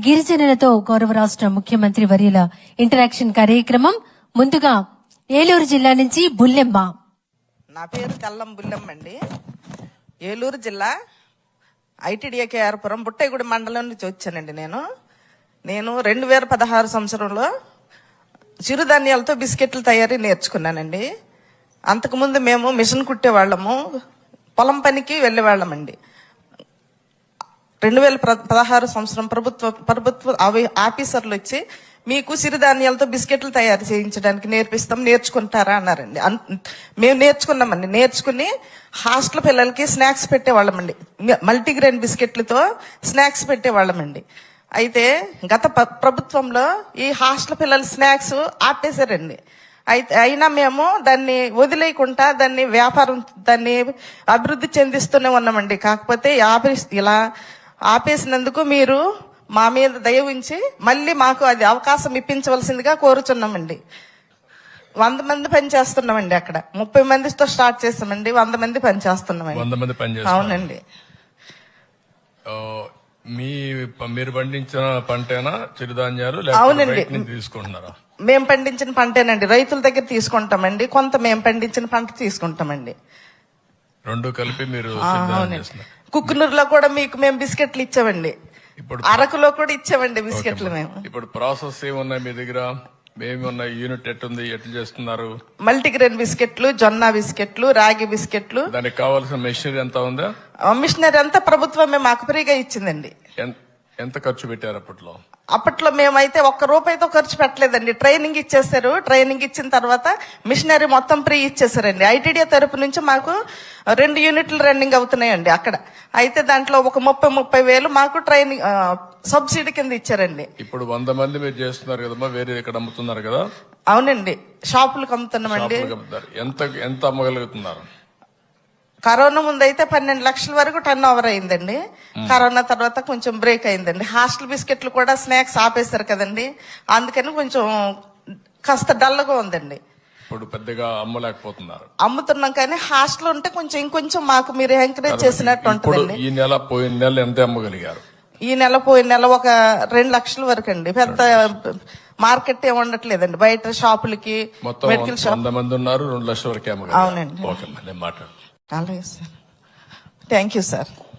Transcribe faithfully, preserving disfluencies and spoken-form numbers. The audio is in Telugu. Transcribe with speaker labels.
Speaker 1: గిరిజనులతో గౌరవ రాష్ట్ర ముఖ్యమంత్రి వర్యుల ఇంటరాక్షన్ కార్యక్రమం. ముందుగా ఏలూరు జిల్లా నుంచి బుల్లెమ్మ.
Speaker 2: నా పేరు కల్లం బుల్లెమ్మ అండి. ఏలూరు జిల్లా ఐటీడీఏకేఆర్పురం బుట్టైగూడి మండలం నుంచి వచ్చానండి. నేను నేను రెండు వేల పదహారు సంవత్సరంలో చిరుధాన్యాలతో బిస్కెట్లు తయారీ నేర్చుకున్నానండి. అంతకుముందు మేము మిషన్ కుట్టేవాళ్ళము, పొలం పనికి వెళ్ళేవాళ్ళమండి. రెండు వేల పదహారు సంవత్సరం ప్రభుత్వ ప్రభుత్వ ఆఫీసర్లు వచ్చి మీకు సిరిధాన్యాలతో బిస్కెట్లు తయారు చేయించడానికి నేర్పిస్తాం, నేర్చుకుంటారా అన్నారండి. మేము నేర్చుకున్నామండి. నేర్చుకుని హాస్టల్ పిల్లలకి స్నాక్స్ పెట్టేవాళ్ళమండి. మల్టీగ్రెయిన్ బిస్కెట్లతో స్నాక్స్ పెట్టేవాళ్ళమండి. అయితే గత ప్రభుత్వంలో ఈ హాస్టల్ పిల్లల స్నాక్స్ ఆపేశారండి. అయితే అయినా మేము దాన్ని వదిలేయకుండా దాన్ని వ్యాపారం దాన్ని అభివృద్ధి చెందిస్తూనే ఉన్నామండి. కాకపోతే ఇలా ఆపేసినందుకు మీరు మా మీద దయ ఉంచి మళ్ళీ మాకు అది అవకాశం ఇప్పించవలసిందిగా కోరుచున్నామండి. వంద మంది పని చేస్తున్నామండి. అక్కడ ముప్పై మందితో స్టార్ట్ చేస్తామండి, వంద మంది పని చేస్తున్నామండి. అవునండి.
Speaker 3: మీ మీరు పండించిన పంటేనా చిరుధాన్యాలు?
Speaker 2: అవునండి,
Speaker 3: తీసుకుంటున్నారా?
Speaker 2: మేము పండించిన పంటేనండి. రైతుల దగ్గర తీసుకుంటామండి, కొంత మేము పండించిన పంట తీసుకుంటామండి.
Speaker 3: రెండు కలిపి మీరు?
Speaker 2: కుక్కునూరులో కూడా మీకు మేము బిస్కెట్లు ఇచ్చామండి. ఇప్పుడు అరకులో కూడా ఇచ్చామండి బిస్కెట్లు మేము.
Speaker 3: ఇప్పుడు ప్రాసెస్ ఏమున్నాయి మీ దగ్గర? మేమున్న యూనిట్ ఎట్టుంది, ఎట్లా చేస్తున్నారు?
Speaker 2: మల్టీగ్రెయిన్ బిస్కెట్లు, జొన్న బిస్కెట్లు, రాగి బిస్కెట్లు.
Speaker 3: దానికి కావాల్సిన మెషినరీ ఎంత ఉందా?
Speaker 2: మిషనరీ అంతా ప్రభుత్వమే మాకు ఫ్రీగా ఇచ్చిందండి.
Speaker 3: ఎంత ఖర్చు పెట్టారు అప్పట్లో?
Speaker 2: అప్పట్లో మేమైతే ఒక్క రూపాయితో ఖర్చు పెట్టలేదండి. ట్రైనింగ్ ఇచ్చేసారు. ట్రైనింగ్ ఇచ్చిన తర్వాత మిషనరీ మొత్తం ఫ్రీ ఇచ్చేసారండి. ఐటీడీఏ తరపు నుంచి మాకు రెండు యూనిట్లు రన్నింగ్ అవుతున్నాయండి అక్కడ. అయితే దాంట్లో ఒక ముప్పై ముప్పై వేలు మాకు ట్రైనింగ్ సబ్సిడీ కింద ఇచ్చారండి.
Speaker 3: ఇప్పుడు వంద మంది మీరు చేస్తున్నారు కదమ్మా, వేరే ఇక్కడ అమ్ముతున్నారు కదా?
Speaker 2: అవునండి, షాపులకు అమ్ముతున్నామండి.
Speaker 3: ఎంత ఎంత అమ్మగలుగుతున్నారు?
Speaker 2: కరోనా ముందు అయితే పన్నెండు లక్షల వరకు టర్న్ ఓవర్ అయిందండి. కరోనా తర్వాత కొంచెం బ్రేక్ అయిందండి. హాస్టల్ బిస్కెట్లు కూడా స్నాక్స్ ఆపేశారు కదండి, అందుకని కొంచెం కాస్త డల్గా ఉందండి.
Speaker 3: ఇప్పుడు పెద్దగా అమ్మలేకపోతున్నారు.
Speaker 2: అమ్ముతున్నాం కానీ హాస్టల్ ఉంటే కొంచెం ఇంకొంచెం మాకు మీరు ఎంకరేజ్ చేసినట్టు ఉంటుందండి.
Speaker 3: ఈ నెల పోయిన నెల ఎంత అమ్మగలిగారు?
Speaker 2: ఈ నెల పోయిన నెల ఒక రెండు లక్షల వరకు అండి. పెద్ద మార్కెట్ ఏమి ఉండట్లేదండి. బయట షాపులకి, మెడికల్ షాప్
Speaker 3: వంద మంది ఉన్నారు, రెండు లక్షల వరకు.
Speaker 2: అవునండి.
Speaker 3: ఓకే, మాట్లాడు.
Speaker 2: అలాగే సార్, థ్యాంక్ యూ సార్.